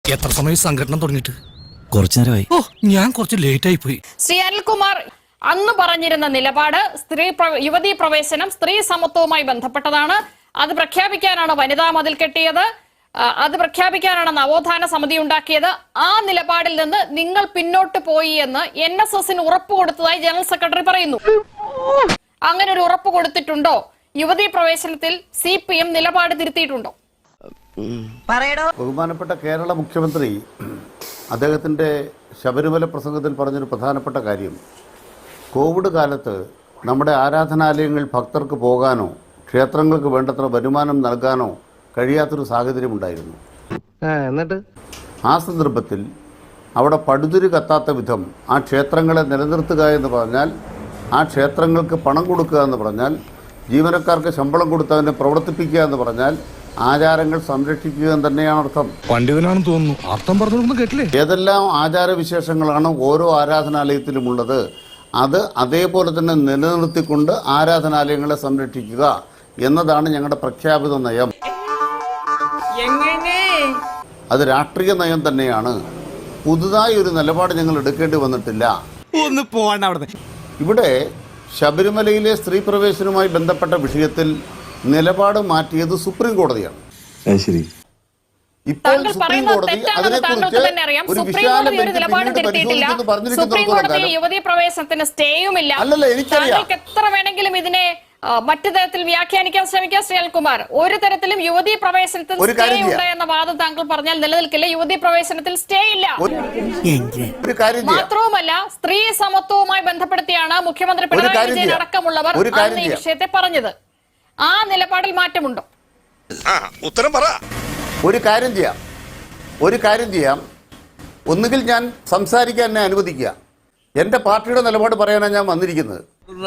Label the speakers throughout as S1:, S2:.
S1: എത്ര സമയം സംഘടന തുടങ്ങിയിട്ട്?
S2: കുറച്ചു നേരമായി.
S1: ഓ, ഞാൻ കുറച്ച് ലേറ്റ് ആയി പോയി.
S3: ശ്രീ അനിൽകുമാർ അന്ന് പറഞ്ഞിരുന്ന നിലപാട് യുവതീ പ്രവേശനം സ്ത്രീ സമത്വവുമായി ബന്ധപ്പെട്ടതാണ്. അത് പ്രഖ്യാപിക്കാനാണ് വനിതാ മതിൽ കെട്ടിയത്, അത് പ്രഖ്യാപിക്കാനാണ് നവോത്ഥാന സമിതി ഉണ്ടാക്കിയത്. ആ നിലപാടിൽ നിന്ന് നിങ്ങൾ പിന്നോട്ട് പോയി എന്ന് NSSന് ഉറപ്പ് കൊടുത്തതായി ജനറൽ സെക്രട്ടറി പറയുന്നു. അങ്ങനെ ഒരു ഉറപ്പ് കൊടുത്തിട്ടുണ്ടോ? യുവതീ പ്രവേശനത്തിൽ CPM നിലപാട് തിരുത്തിയിട്ടുണ്ടോ?
S4: ബഹുമാനപ്പെട്ട കേരള മുഖ്യമന്ത്രി അദ്ദേഹത്തിൻ്റെ ശബരിമല പ്രസംഗത്തിൽ പറഞ്ഞൊരു പ്രധാനപ്പെട്ട കാര്യം, കോവിഡ് കാലത്ത് നമ്മുടെ ആരാധനാലയങ്ങൾ ഭക്തർക്ക് പോകാനോ ക്ഷേത്രങ്ങൾക്ക് വേണ്ടത്ര വരുമാനം നൽകാനോ കഴിയാത്തൊരു സാഹചര്യമുണ്ടായിരുന്നു.
S5: എന്നിട്ട്
S4: ആ സന്ദർഭത്തിൽ അവിടെ പടുതിരി കത്താത്ത വിധം ആ ക്ഷേത്രങ്ങളെ നിലനിർത്തുക എന്ന് പറഞ്ഞാൽ, ആ ക്ഷേത്രങ്ങൾക്ക് പണം കൊടുക്കുക എന്ന് പറഞ്ഞാൽ, ജീവനക്കാർക്ക് ശമ്പളം കൊടുത്തതിനെ പ്രവർത്തിപ്പിക്കുക എന്ന് പറഞ്ഞാൽ ആചാരങ്ങൾ സംരക്ഷിക്കുക എന്ന് തന്നെയാണ് അർത്ഥം.
S1: പണ്ഡിതനാണെന്ന് തോന്നുന്നു. അർത്ഥം പറഞ്ഞൊന്നും കേട്ടില്ലേ?
S4: ഏതെല്ലാം ആചാരവിശേഷങ്ങളാണ് ഓരോ ആരാധനാലയത്തിലുമുള്ളത്, അത് അതേപോലെ തന്നെ നിലനിർത്തിക്കൊണ്ട് ആരാധനാലയങ്ങളെ സംരക്ഷിക്കുക എന്നതാണ് ഞങ്ങളുടെ പ്രഖ്യാപിത നയം. അത് രാഷ്ട്രീയ നയം തന്നെയാണ്. പുതുതായി ഒരു നിലപാട് ഞങ്ങൾ എടുക്കേണ്ടി വന്നിട്ടില്ല.
S2: ഒന്ന് പോവാണ്ട് അവിടെ.
S4: ഇവിടെ ശബരിമലയിലെ സ്ത്രീ പ്രവേശനവുമായി ബന്ധപ്പെട്ട വിഷയത്തിൽ നിലപാട് മാറ്റിയത് സുപ്രീം കോടതിയാണ്. ഇപ്പോൾ സുപ്രീം കോടതി അതിനെക്കുറിച്ച് ഒരു വിശാല
S3: യുവതീ പ്രവേശനത്തിന് സ്റ്റേയുമില്ല.
S4: അല്ലല്ല, എനിക്കറിയാം.
S3: എത്ര വേണമെങ്കിലും ഇതിനെ മറ്റു തരത്തിൽ വ്യാഖ്യാനിക്കാൻ ശ്രമിക്കാം ശ്രീ അനിൽകുമാർ. ഒരു തരത്തിലും യുവതീ പ്രവേശനത്തിൽ സ്റ്റേ ഉണ്ട് എന്ന വാദം താങ്കൾ പറഞ്ഞാൽ നിലനിൽക്കില്ല. യുവതീ പ്രവേശനത്തിൽ സ്റ്റേ ഇല്ല. മാത്രവുമല്ല, സ്ത്രീ സമത്വവുമായി ബന്ധപ്പെടുത്തിയാണ് മുഖ്യമന്ത്രി പിണറായി വിജയൻ അടക്കമുള്ളവർ ഈ വിഷയത്തെ പറഞ്ഞത്. ആ നിലപാടിൽ മാറ്റമുണ്ടോ?
S6: ഉത്തരം പറ.
S4: ഒരു കാര്യം ചെയ്യാം. ഒന്നുകിൽ ഞാൻ സംസാരിക്കാൻ എന്നെ അനുവദിക്കുക. എന്റെ പാർട്ടിയുടെ നിലപാട് പറയാനാണ് ഞാൻ വന്നിരിക്കുന്നത്.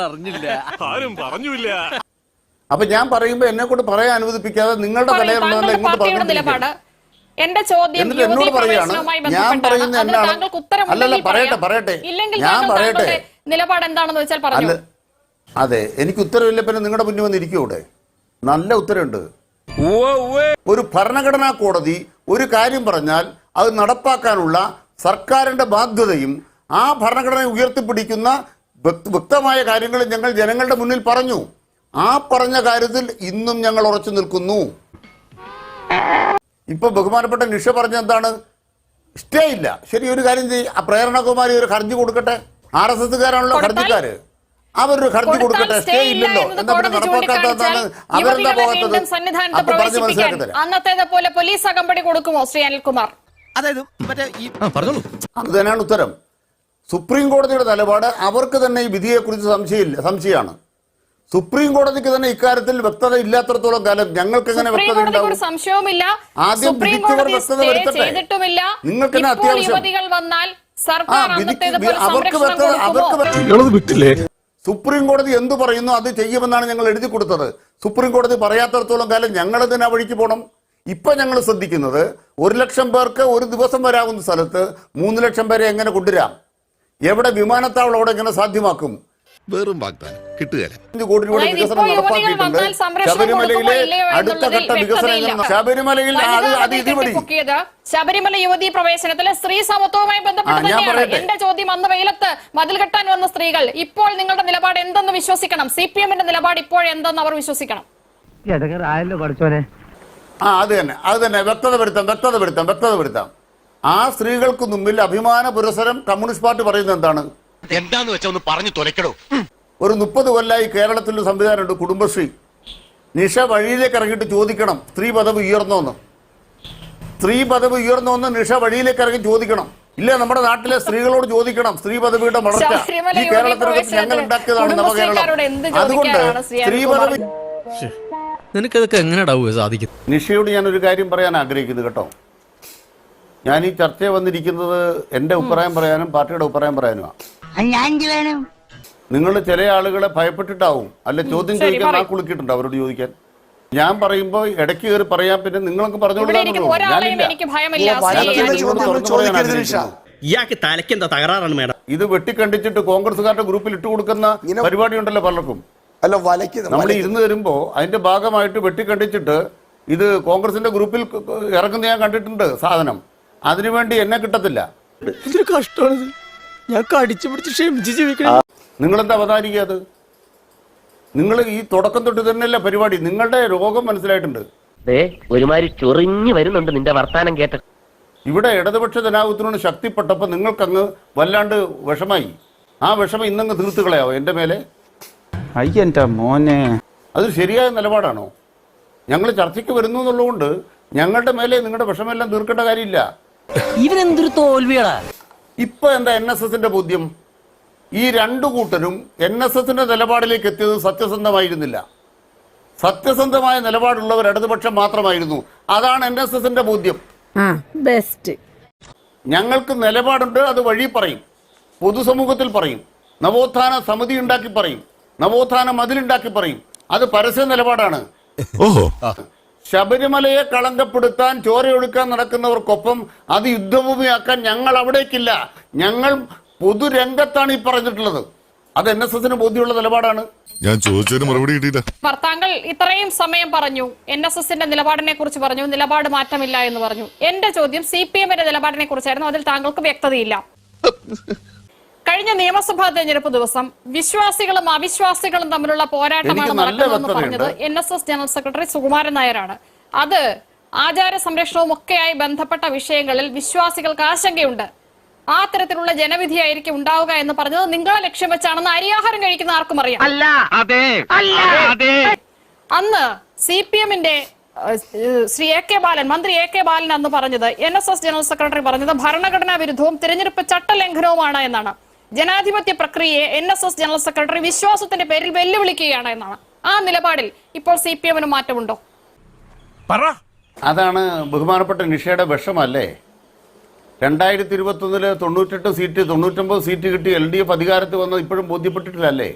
S4: അപ്പൊ ഞാൻ പറയുമ്പോ എന്നെ കൊണ്ട് പറയാൻ അനുവദിപ്പിക്കാതെ നിങ്ങളുടെ തലയിലുള്ള ഇങ്ങോട്ട് പറഞ്ഞു.
S3: എന്റെ ചോദ്യം
S4: എന്നോട് പറയാണ്, ഞാൻ പറയുന്ന എന്നാണ്. അല്ലല്ല, പറയട്ടെ ഞാൻ പറയട്ടെ.
S3: നിലപാട് എന്താണെന്ന് വെച്ചാൽ പറഞ്ഞു.
S4: അതെ, എനിക്ക് ഉത്തരവില്ല, പിന്നെ നിങ്ങളുടെ മുന്നിൽ വന്നിരിക്കും. ഇവിടെ നല്ല ഉത്തരവുണ്ട്. ഒരു ഭരണഘടനാ കോടതി ഒരു കാര്യം പറഞ്ഞാൽ അത് നടപ്പാക്കാനുള്ള സർക്കാരിന്റെ ബാധ്യതയും ആ ഭരണഘടന ഉയർത്തിപ്പിടിക്കുന്ന വ്യക്തമായ കാര്യങ്ങൾ ഞങ്ങൾ ജനങ്ങളുടെ മുന്നിൽ പറഞ്ഞു. ആ പറഞ്ഞ കാര്യത്തിൽ ഇന്നും ഞങ്ങൾ ഉറച്ചു നിൽക്കുന്നു. ഇപ്പൊ ബഹുമാനപ്പെട്ട നിഷ പറഞ്ഞ എന്താണ്? സ്റ്റേ ഇല്ല. ശരി, ഒരു കാര്യം ചെയ്യും, ആ പ്രേരണകുമാരി ഒരു ഹർജി കൊടുക്കട്ടെ. RSSകാരാണല്ലോ ഹർജിക്കാര്, അവരൊരു ഹർജി കൊടുക്കട്ടെ. സ്റ്റേ ഇല്ലല്ലോ, എന്താ പിന്നെ നടപ്പാക്കാത്തതാണ്? അവരെന്താ പോകാത്തത്? അപ്പൊ പറഞ്ഞ് മനസ്സിലാക്കി തരാം.
S3: അന്നത്തേത് പോലെ പോലീസ് അകമ്പടി കൊടുക്കുമോ ശ്രീ അനിൽകുമാർ?
S2: അതായത്
S4: അത് തന്നെയാണ് ഉത്തരം. സുപ്രീം കോടതിയുടെ നിലപാട് അവർക്ക് തന്നെ ഈ വിധിയെക്കുറിച്ച് സംശയമാണ്. സുപ്രീം കോടതിക്ക് തന്നെ ഇക്കാര്യത്തിൽ വ്യക്തത ഇല്ലാത്തടത്തോളം കാലം ഞങ്ങൾക്ക് എങ്ങനെ വ്യക്തത ഉണ്ടാവും? ആദ്യം വിധിച്ചവർ വ്യക്തത വരുത്തട്ടെ. നിങ്ങൾക്ക് തന്നെ അത്യാവശ്യം സുപ്രീം കോടതി എന്തു പറയുന്നു അത് ചെയ്യുമെന്നാണ് ഞങ്ങൾ എഴുതി കൊടുത്തത്. സുപ്രീം കോടതി പറയാത്തടത്തോളം കാലം ഞങ്ങൾ തന്നെ ആ വഴിക്ക് പോകണം. ഇപ്പൊ ഞങ്ങൾ ശ്രദ്ധിക്കുന്നത് 1 ലക്ഷം പേർക്ക് ഒരു ദിവസം വരാവുന്ന സ്ഥലത്ത് 3 ലക്ഷം പേരെ എങ്ങനെ കൊണ്ടുവരാം, എവിടെ വിമാനത്താവളം അവിടെ എങ്ങനെ സാധ്യമാക്കും.
S6: വെറും വാഗ്ദാനം കിട്ടുകയില്ല.
S4: 5 കോടി രൂപയുടെ വികസനം നടപ്പാക്കിയിട്ടുണ്ട്. ശബരിമലയിലെ അടുത്ത ഘട്ട വികസനം ശബരിമലയിൽ
S3: ശബരിമല യുവതീ പ്രവേശനത്തിലെ സ്ത്രീ സമത്വവുമായി ബന്ധപ്പെട്ട് എന്റെ ചോദ്യം, അന്ന് വെയിലത്ത് മതിൽ കെട്ടാൻ വന്ന സ്ത്രീകൾ ഇപ്പോൾ നിങ്ങളുടെ നിലപാട് എന്തെന്ന് വിശ്വസിക്കണം? CPMന്റെ നിലപാട് ഇപ്പോൾ എന്തെന്ന് അവർ വിശ്വസിക്കണം?
S4: അത് തന്നെ വ്യക്തത വരുത്താം. ആ സ്ത്രീകൾക്ക് മുമ്പിൽ അഭിമാന പുരസ്സരം കമ്മ്യൂണിസ്റ്റ് പാർട്ടി പറയുന്നത് എന്താണ്?
S6: എന്താന്ന് വെച്ചാ ഒന്ന് പറഞ്ഞു തുലക്കടോ.
S4: ഒരു 30 കൊല്ലമായി കേരളത്തിൽ സംവിധാനമുണ്ട്, കുടുംബശ്രീ. നിഷ വഴിയിലേക്ക് ഇറങ്ങിയിട്ട് ചോദിക്കണം, സ്ത്രീ പദവി ഉയർന്നോന്ന് നിഷ വഴിയിലേക്ക് ഇറങ്ങി ചോദിക്കണം. ഇല്ല, നമ്മുടെ നാട്ടിലെ സ്ത്രീകളോട് ചോദിക്കണം സ്ത്രീ പദവിയുടെ വളർച്ച. ഈ കേരളത്തിനകത്ത് ഞങ്ങൾ ഉണ്ടാക്കിയതാണ് നവകേരളം. അതുകൊണ്ട് സ്ത്രീ പദവി
S2: നിനക്കതൊക്കെ എങ്ങനെയാ സാധിക്കും?
S4: നിഷയോട് ഞാനൊരു കാര്യം പറയാൻ ആഗ്രഹിക്കുന്നു കേട്ടോ. ഞാൻ ഈ ചർച്ചയെ വന്നിരിക്കുന്നത് എന്റെ അഭിപ്രായം പറയാനും പാർട്ടിയുടെ അഭിപ്രായം പറയാനുമാണ്. നിങ്ങൾ ചില ആളുകളെ ഭയപ്പെട്ടിട്ടാവും, അല്ലെ ചോദ്യം ചോദിക്കാൻ ആ കുളിക്കിട്ടുണ്ട് അവരോട് ചോദിക്കാൻ. ഞാൻ പറയുമ്പോ ഇടയ്ക്ക് കയറി പറയാൻ, പിന്നെ നിങ്ങൾക്ക് പറഞ്ഞോളൂ. ഇത് വെട്ടിക്കണ്ടിച്ചിട്ട് കോൺഗ്രസ്സുകാരുടെ ഗ്രൂപ്പിൽ ഇട്ട് കൊടുക്കുന്ന പരിപാടി ഉണ്ടല്ലോ പലർക്കും. നമ്മൾ ഇരുന്ന് തരുമ്പോ അതിന്റെ ഭാഗമായിട്ട് വെട്ടിക്കണ്ടിച്ചിട്ട് ഇത് കോൺഗ്രസിന്റെ ഗ്രൂപ്പിൽ ഇറക്കുന്ന ഞാൻ കണ്ടിട്ടുണ്ട് സാധനം. അതിനുവേണ്ടി എന്നെ കിട്ടത്തില്ല.
S2: എന്തൊരു കഷ്ടമാണിത്. ഞാൻ കടിച്ചു പിടിച്ച് ക്ഷമിച്ച് ജീവിക്കണം.
S4: നിങ്ങളെന്താ അവതാരിക്കുക? അത് നിങ്ങൾ ഈ തുടക്കം തൊട്ട് തന്നെയല്ല പരിപാടി. നിങ്ങളുടെ രോഗം മനസ്സിലായിട്ടുണ്ട്.
S5: ഒരുമാതിരി ചൊറിഞ്ഞു വരുന്നുണ്ട് നിന്റെ വർത്താനം കേട്ട.
S4: ഇവിടെ ഇടതുപക്ഷ ജനാധിപത്യത്തിനോട് ശക്തിപ്പെട്ടപ്പോൾ നിങ്ങൾക്കങ്ങ് വല്ലാണ്ട് വിഷമായി. ആ വിഷമം ഇന്നങ്ങ് തീർത്ത് കളയാവോ എൻ്റെ മേലെ?
S7: അയ്യന്റെ മോനെ,
S4: അത് ശരിയായ നിലപാടാണോ? ഞങ്ങൾ ചർച്ചയ്ക്ക് വരുന്നു എന്നുള്ളതുകൊണ്ട് ഞങ്ങളുടെ മേലെ നിങ്ങളുടെ വിഷമെല്ലാം തീർക്കേണ്ട കാര്യമില്ല.
S5: ഇവനെന്തൊരു തോൽവിയാ.
S4: ഇപ്പൊ എന്താ NSSന്റെ ബോധ്യം? ഈ രണ്ടു കൂട്ടരും NSSന്റെ നിലപാടിലേക്ക് എത്തിയത് സത്യസന്ധമായിരുന്നില്ല. സത്യസന്ധമായ നിലപാടുള്ളവർ ഇടതുപക്ഷം മാത്രമായിരുന്നു. അതാണ് NSSന്റെ ബോധ്യം.
S8: ബെസ്റ്റ്.
S4: ഞങ്ങൾക്ക് നിലപാടുണ്ട്, അത് വഴി പറയും, പൊതുസമൂഹത്തിൽ പറയും, നവോത്ഥാന സമിതി ഉണ്ടാക്കി പറയും, നവോത്ഥാന മതിലുണ്ടാക്കി പറയും. അത് പരസ്യ നിലപാടാണ്.
S6: ഓഹോ,
S4: ശബരിമലയെ കളങ്കപ്പെടുത്താൻ ചോരയൊടുക്കാൻ നടക്കുന്നവർക്കൊപ്പം അത് യുദ്ധഭൂമിയാക്കാൻ ഞങ്ങൾ അവിടേക്കില്ല. ഞങ്ങൾ പൊതുരംഗത്താണ് ഈ പറഞ്ഞിട്ടുള്ളത്. അത് NSSന് ബോധ്യമുള്ള നിലപാടാണ്.
S6: ഞാൻ ചോദിച്ചതിന് മറുപടി കിട്ടിയില്ല.
S3: താങ്കൾ ഇത്രയും സമയം പറഞ്ഞു, NSSന്റെ നിലപാടിനെ കുറിച്ച് പറഞ്ഞു, നിലപാട് മാറ്റമില്ല എന്ന് പറഞ്ഞു. എന്റെ ചോദ്യം CPMന്റെ നിലപാടിനെ കുറിച്ചായിരുന്നു. അതിൽ താങ്കൾക്ക് വ്യക്തതയില്ല. കഴിഞ്ഞ നിയമസഭാ തെരഞ്ഞെടുപ്പ് ദിവസം വിശ്വാസികളും അവിശ്വാസികളും തമ്മിലുള്ള പോരാട്ടമാണ് നടക്കുന്നതെന്ന് പറഞ്ഞത് NSS ജനറൽ സെക്രട്ടറി സുകുമാരൻ നായരാണ്. അത് ആചാര സംരക്ഷണവും ഒക്കെയായി ബന്ധപ്പെട്ട വിഷയങ്ങളിൽ വിശ്വാസികൾക്ക് ആശങ്കയുണ്ട്. ആ തരത്തിലുള്ള ജനവിധിയായിരിക്കും ഉണ്ടാവുക എന്ന് പറഞ്ഞത് നിങ്ങളെ ലക്ഷ്യം വെച്ചാണെന്ന് അരിയാഹാരം കഴിക്കുന്ന ആർക്കും അറിയാം. അന്ന് CPMന്റെ ശ്രീ AK ബാലൻ, മന്ത്രി AK ബാലൻ അന്ന് പറഞ്ഞത്, NSS ജനറൽ സെക്രട്ടറി പറഞ്ഞത് ഭരണഘടനാ വിരുദ്ധവും തിരഞ്ഞെടുപ്പ് ചട്ടലംഘനവുമാണ് എന്നാണ്. ജനാധിപത്യ പ്രക്രിയയെ NSS ജനറൽ സെക്രട്ടറി വിശ്വാസത്തിന്റെ പേരിൽ വെല്ലുവിളിക്കുകയാണ് എന്നാണ്. ആ നിലപാടിൽ ഇപ്പോൾ CPMന് മാറ്റമുണ്ടോ?
S4: അതാണ് ബഹുമാനപ്പെട്ട നിഷയുടെ വിഷമല്ലേ? 2021 98 സീറ്റ് 99 സീറ്റ് കിട്ടി LDF അധികാരത്തിൽ വന്നത് ഇപ്പോഴും ബോധ്യപ്പെട്ടിട്ടില്ലല്ലേ?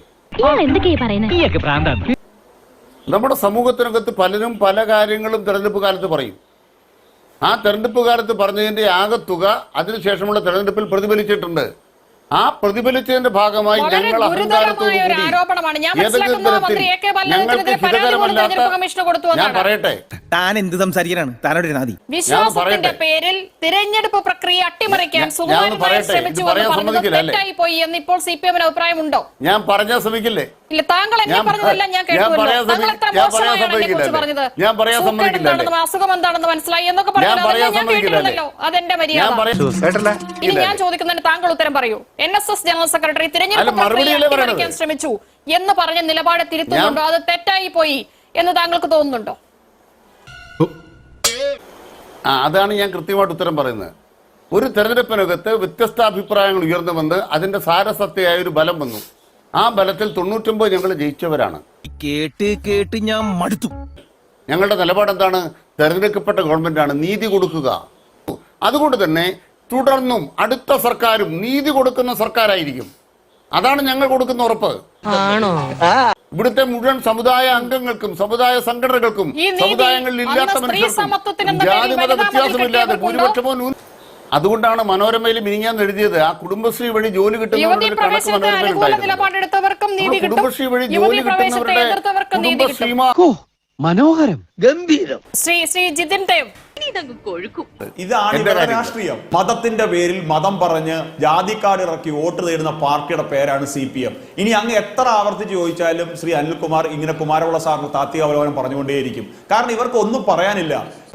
S4: നമ്മുടെ സമൂഹത്തിനകത്ത് പലരും പല കാര്യങ്ങളും തെരഞ്ഞെടുപ്പ് കാലത്ത് പറയും. ആ തെരഞ്ഞെടുപ്പ് കാലത്ത് പറഞ്ഞതിന്റെ ആകത്തുക അതിനുശേഷമുള്ള തെരഞ്ഞെടുപ്പിൽ പ്രതിഫലിച്ചിട്ടുണ്ട്. ആ പ്രതിഫലിച്ചതിന്റെ ഭാഗമായി ഞങ്ങൾ അഹങ്കാരത്തോടു കൂടി ഏതെങ്കിലും തരത്തിൽ ഞങ്ങൾക്ക് ഹിതകരമല്ലാത്ത, ഞാൻ പറയട്ടെ,
S2: താൻ എന്ത് സംസാരിക്കാനാണ്? താനോട്
S3: വിശ്വാസത്തിന്റെ പേരിൽ തിരഞ്ഞെടുപ്പ് പ്രക്രിയ അട്ടിമറിക്കാൻ പോയി എന്ന് ഇപ്പോൾ CPMന് അഭിപ്രായമുണ്ടോ?
S4: ഞാൻ പറയാൻ ശ്രമിക്കില്ലേ?
S3: ഇല്ല, താങ്കൾ എന്നെ പറഞ്ഞതെല്ലാം ഞാൻ പറഞ്ഞത് അസുഖം എന്താണെന്ന് മനസ്സിലായി എന്നൊക്കെ പറഞ്ഞല്ലോ. അതെന്റെ മര്യാദ. ഇനി ഞാൻ ചോദിക്കുന്നതിന് താങ്കൾ ഉത്തരം പറയൂ. NSS ജനറൽ സെക്രട്ടറി തിരഞ്ഞെടുപ്പ് പ്രക്രിയ അട്ടിമറിക്കാൻ ശ്രമിച്ചു എന്ന് പറഞ്ഞ നിലപാട് തിരുത്തുന്നുണ്ടോ? അത് തെറ്റായി പോയി എന്ന് താങ്കൾക്ക് തോന്നുന്നുണ്ടോ?
S4: അതാണ് ഞാൻ കൃത്യമായിട്ട് ഉത്തരം പറയുന്നത്. ഒരു തെരഞ്ഞെടുപ്പിനകത്ത് വ്യത്യസ്ത അഭിപ്രായങ്ങൾ ഉയർന്നു വന്ന് അതിന്റെ സാരസത്യമായ ഒരു ബലം വന്നു. ആ ബലത്തിൽ 99 ഞങ്ങൾ ജയിച്ചവരാണ്.
S2: കേട്ട് ഞാൻ മടുത്തു.
S4: ഞങ്ങളുടെ നിലപാട് എന്താണ്? തെരഞ്ഞെടുക്കപ്പെട്ട ഗവൺമെന്റാണ്, നീതി കൊടുക്കുക. അതുകൊണ്ട് തന്നെ തുടർന്നും അടുത്ത സർക്കാരും നീതി കൊടുക്കുന്ന സർക്കാരായിരിക്കും. അതാണ് ഞങ്ങൾ കൊടുക്കുന്ന ഉറപ്പ്. ഇവിടുത്തെ മുഴുവൻ സമുദായ അംഗങ്ങൾക്കും സമുദായ സംഘടനകൾക്കും സമുദായങ്ങളിൽ ഇല്ലാത്ത മനുഷ്യർക്കും ജാതിമത വ്യത്യാസമില്ലാതെ ഭൂരിപക്ഷമോ അതുകൊണ്ടാണ് മനോരമയിൽ മിനിഞ്ഞാന്ന് എഴുതിയത് ആ കുടുംബശ്രീ വഴി ജോലി കിട്ടുന്നവരുടെ കണക്ക് മനോരമയിൽ ഉണ്ടായിരുന്നു. കുടുംബശ്രീ വഴി ജോലി കിട്ടുന്നവരുടെ കുടുംബശ്രീമാ
S7: മനോഹരം, ഗംഭീരം.
S3: ശ്രീ ജിതിൻ ദേവ്,
S9: ഇതാണ് ഇവരുടെ രാഷ്ട്രീയം. മതത്തിന്റെ പേരിൽ മതം പറഞ്ഞ് ജാതിക്കാട് ഇറക്കി വോട്ട് നേടുന്ന പാർട്ടിയുടെ പേരാണ് CPM. ഇനി അങ്ങ് എത്ര ആവർത്തിച്ച് ചോദിച്ചാലും ശ്രീ അനിൽകുമാർ ഇങ്ങനെ കുമാരവിള സാറിന് താത്വിക അവലോകനം പറഞ്ഞുകൊണ്ടേയിരിക്കും. കാരണം ഇവർക്ക് ഒന്നും പറയാനില്ല.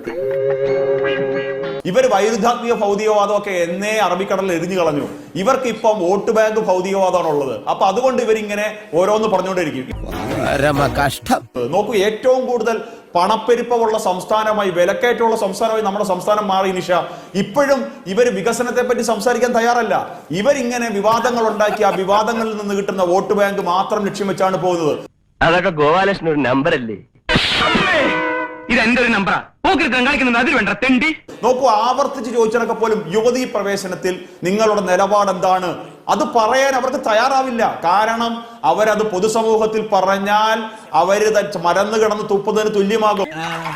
S9: ഇവർ വൈരുദ്ധാത്മിക ഭൗതികവാദമൊക്കെ എന്നേ അറബിക്കടലിൽ എരിഞ്ഞു കളഞ്ഞു. ഇവർക്ക് ഇപ്പം വോട്ട് ബാങ്ക് ഭൗതികവാദമാണ് ഉള്ളത്. അപ്പൊ അതുകൊണ്ട് ഇവരിങ്ങനെ ഓരോന്ന് പറഞ്ഞുകൊണ്ടിരിക്കും. നോക്കൂ, ഏറ്റവും കൂടുതൽ പണപ്പെരുപ്പമുള്ള സംസ്ഥാനമായി, വിലക്കയറ്റമുള്ള സംസ്ഥാനമായി നമ്മുടെ സംസ്ഥാനം മാറി. നിഷ, ഇപ്പോഴും ഇവർ വികസനത്തെ പറ്റി സംസാരിക്കാൻ തയ്യാറല്ല. ഇവരിങ്ങനെ വിവാദങ്ങൾ ഉണ്ടാക്കി ആ വിവാദങ്ങളിൽ നിന്ന് കിട്ടുന്ന വോട്ട് ബാങ്ക് മാത്രം ലക്ഷ്യം വെച്ചാണ് പോകുന്നത്.
S5: അതൊക്കെ ഗോപാലകൃഷ്ണൻ ഒരു നമ്പറല്ലേ? ഇത് എന്റെ ഒരു നമ്പറാ.
S9: നോക്കൂ, ആവർത്തിച്ച് ചോദിച്ചതൊക്കെ പോലും യുവതീ പ്രവേശനത്തിൽ നിങ്ങളുടെ നിലപാട് എന്താണ് അത് പറയാൻ അവർക്ക് തയ്യാറാവില്ല. കാരണം അവരത് പൊതുസമൂഹത്തിൽ പറഞ്ഞാൽ അവര് മരന്ന് കിടന്ന് തുപ്പുന്നതിന് തുല്യമാകും.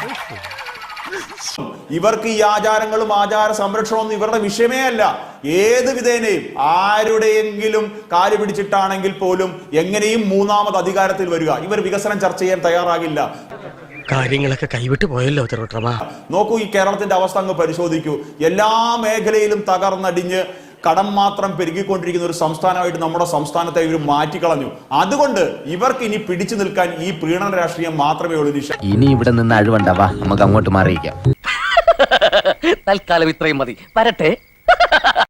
S9: ഇവർക്ക് ഈ ആചാരങ്ങളും ആചാര സംരക്ഷണമൊന്നും ഇവരുടെ വിഷയമേ അല്ല. ഏത് വിധേനയും ആരുടെയെങ്കിലും കാല് പിടിച്ചിട്ടാണെങ്കിൽ പോലും എങ്ങനെയും മൂന്നാമത് അധികാരത്തിൽ വരിക. ഇവർ വികസനം ചർച്ച ചെയ്യാൻ തയ്യാറാകില്ല.
S2: കാര്യങ്ങളൊക്കെ കൈവിട്ട് പോയല്ലോ തിരുവട്ടമാ.
S9: നോക്കൂ, ഈ കേരളത്തിന്റെ അവസ്ഥ അങ്ങ് പരിശോധിക്കൂ. എല്ലാ മേഖലയിലും തകർന്നടിഞ്ഞ് കടം മാത്രം പെരുകിക്കൊണ്ടിരിക്കുന്ന ഒരു സംസ്ഥാനമായിട്ട് നമ്മുടെ സംസ്ഥാനത്തെ ഇവർ മാറ്റിക്കളഞ്ഞു. അതുകൊണ്ട് ഇവർക്ക് ഇനി പിടിച്ചു നിൽക്കാൻ ഈ പ്രീണന രാഷ്ട്രീയം മാത്രമേ ഉള്ളൂ.
S5: ഇനി ഇവിടെ നിന്ന് അഴിവണ്ടാവാ, നമുക്ക് അങ്ങോട്ട് മാറിയിക്കാം. തൽക്കാലം ഇത്രയും മതി. വരട്ടെ.